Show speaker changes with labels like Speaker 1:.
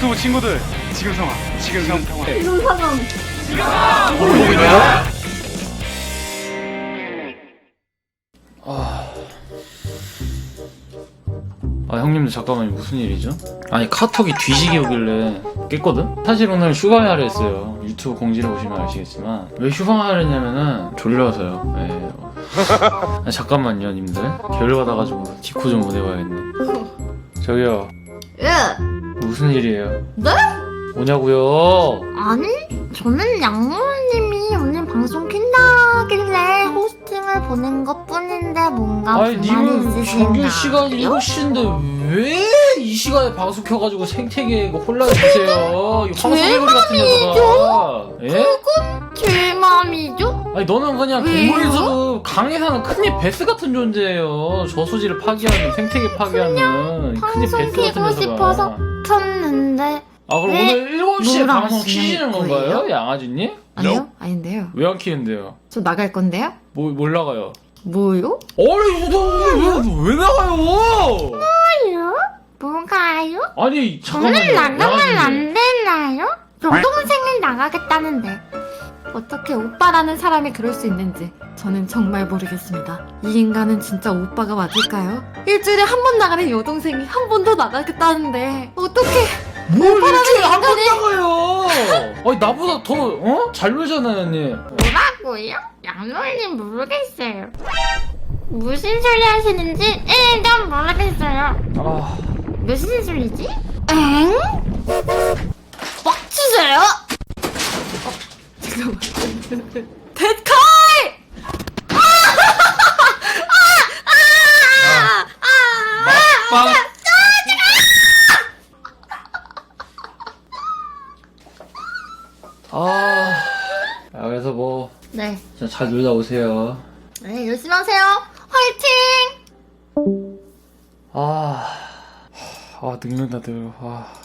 Speaker 1: 유튜브 친구들 지금 상황 지금 상황
Speaker 2: 이런 상황.
Speaker 1: 모르고 있냐?
Speaker 3: 아 형님들 잠깐만요. 무슨 일이죠? 아니 카톡이 뒤지게 오길래 깼거든? 사실 오늘 휴가하려 했어요. 유튜브 공지를 보시면 아시겠지만 왜 휴가하려냐면은 졸려서요. 예. 아, 잠깐만요 님들. 결받아가지고 디코 좀 보내봐야겠네. 저기요
Speaker 2: 예.
Speaker 3: 무슨 일이에요?
Speaker 2: 네?
Speaker 3: 뭐냐고요?
Speaker 2: 아니, 저는 양모님이 오늘 방송 킨다길래 호스팅을 보낸 것 뿐인데 뭔가
Speaker 3: 아니
Speaker 2: 불만이
Speaker 3: 님은
Speaker 2: 있으신가요?
Speaker 3: 정규 시간이 7시인데 왜 이 시간에 방송 켜가지고 생태계에 혼란을 주세요? 이 황소개구리 같은 녀석아. 예?
Speaker 2: 그건 제 맘이죠?
Speaker 3: 아니 너는 그냥
Speaker 2: 왜요?
Speaker 3: 동물유튜브 강에 사는 큰입 베스 같은 존재예요. 저수지를 파괴하는 생태계 파괴하는 큰입
Speaker 2: 방송
Speaker 3: 베스 같은
Speaker 2: 키고
Speaker 3: 녀석아.
Speaker 2: 싶어서 켰는데
Speaker 3: 아 그럼
Speaker 2: 왜
Speaker 3: 오늘 7시에
Speaker 2: 뭘
Speaker 3: 방송
Speaker 2: 하시는
Speaker 3: 키시는 건가요?
Speaker 2: 거예요?
Speaker 3: 양아지님?
Speaker 2: 아니요? 아닌데요.
Speaker 3: 왜 안 키는데요?
Speaker 2: 저 나갈 건데요?
Speaker 3: 뭘 나가요?
Speaker 2: 뭐요?
Speaker 3: 아니 왜 나가요?
Speaker 2: 뭐요? 뭐가요?
Speaker 3: 아니
Speaker 2: 저는
Speaker 3: 잠깐만요.
Speaker 2: 나가면
Speaker 3: 양아지님.
Speaker 2: 안 되나요? 여동생은 나가겠다는데 어떻게 오빠라는 사람이 그럴 수 있는지 저는 정말 모르겠습니다. 이 인간은 진짜 오빠가 맞을까요? 일주일에 한 번 나가는 여동생이 한 번 더 나가겠다는데 어떻게
Speaker 3: 뭘 일주일에 한 번
Speaker 2: 인간이-
Speaker 3: 나가요? 아니 나보다 더 잘 놀잖아요 언니.
Speaker 2: 뭐라고요? 양놀님 모르겠어요. 무슨 소리 하시는지 일단 모르겠어요.
Speaker 3: 아
Speaker 2: 무슨 소리지? 엥? 빡치세요? 잠깐만. 데카이!
Speaker 3: 빵. 그래서 뭐
Speaker 2: 네.
Speaker 3: 진짜 잘 놀다 오세요.
Speaker 2: 네, 열심히 하세요. 화이팅!
Speaker 3: 늙는다 늙어.